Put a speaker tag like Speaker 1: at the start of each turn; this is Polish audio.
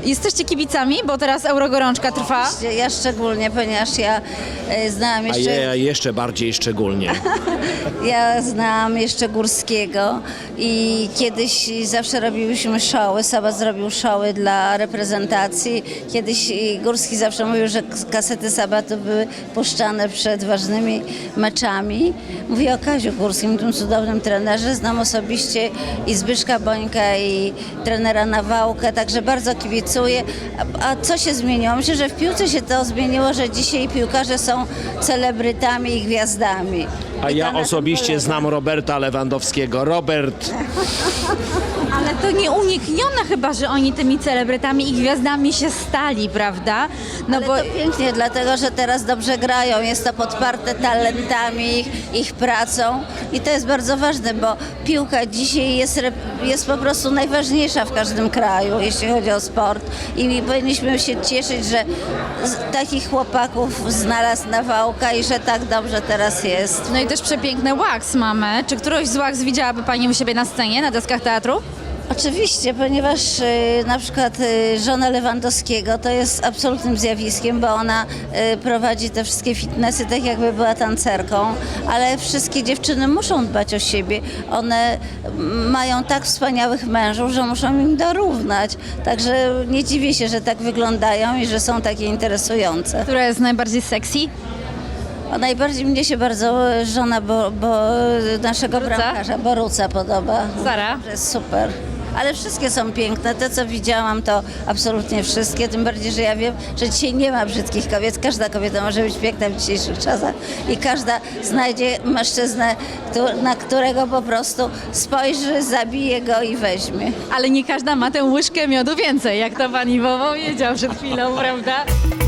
Speaker 1: Jesteście kibicami, bo teraz Eurogorączka trwa.
Speaker 2: Ja szczególnie, ponieważ ja znałam
Speaker 3: A
Speaker 2: jeszcze...
Speaker 3: ja jeszcze bardziej szczególnie.
Speaker 2: Ja znałam jeszcze Górskiego i kiedyś zawsze robiłyśmy showy. Sabat zrobił showy dla reprezentacji. Kiedyś Górski zawsze mówił, że kasety Sabatu były puszczane przed ważnymi meczami. Mówię o Kaziu Górskim, tym cudownym trenerze. Znam osobiście i Zbyszka Bońka, i trenera Nawałkę, także bardzo kibicuję. A co się zmieniło? Myślę, że w piłce się to zmieniło, że dzisiaj piłkarze są celebrytami i gwiazdami.
Speaker 3: A
Speaker 2: I
Speaker 3: ja
Speaker 2: to na tym
Speaker 3: osobiście
Speaker 2: polega.
Speaker 3: znam Roberta Lewandowskiego. Robert,
Speaker 1: Ale to nieuniknione chyba, że oni tymi celebrytami i gwiazdami się stali, prawda? No
Speaker 2: Ale
Speaker 1: bo
Speaker 2: to pięknie, dlatego że teraz dobrze grają, jest to podparte talentami, ich pracą i to jest bardzo ważne, bo piłka dzisiaj jest po prostu najważniejsza w każdym kraju, jeśli chodzi o sport i powinniśmy się cieszyć, że takich chłopaków znalazł Nawałka i że tak dobrze teraz jest.
Speaker 1: no i też przepiękne wax mamy. Czy któryś z wax widziałaby Pani u siebie na scenie, na deskach teatru?
Speaker 2: Oczywiście, ponieważ na przykład żona Lewandowskiego to jest absolutnym zjawiskiem, bo ona prowadzi te wszystkie fitnessy tak jakby była tancerką, ale wszystkie dziewczyny muszą dbać o siebie. One mają tak wspaniałych mężów, że muszą im dorównać. Także nie dziwię się, że tak wyglądają i że są takie interesujące.
Speaker 1: Która jest najbardziej sexy?
Speaker 2: A najbardziej mnie się bardzo żona naszego
Speaker 1: Boruca?
Speaker 2: bramkarza Boruca podoba.
Speaker 1: Sara?
Speaker 2: Że jest super. Ale wszystkie są piękne. Te, co widziałam, to absolutnie wszystkie. Tym bardziej, że ja wiem, że dzisiaj nie ma brzydkich kobiet. Każda kobieta może być piękna w dzisiejszych czasach. I każda znajdzie mężczyznę, na którego po prostu spojrzy, zabije go i weźmie.
Speaker 1: Ale nie każda ma tę łyżkę miodu więcej, jak to Pani Wowo wiedział przed chwilą, prawda?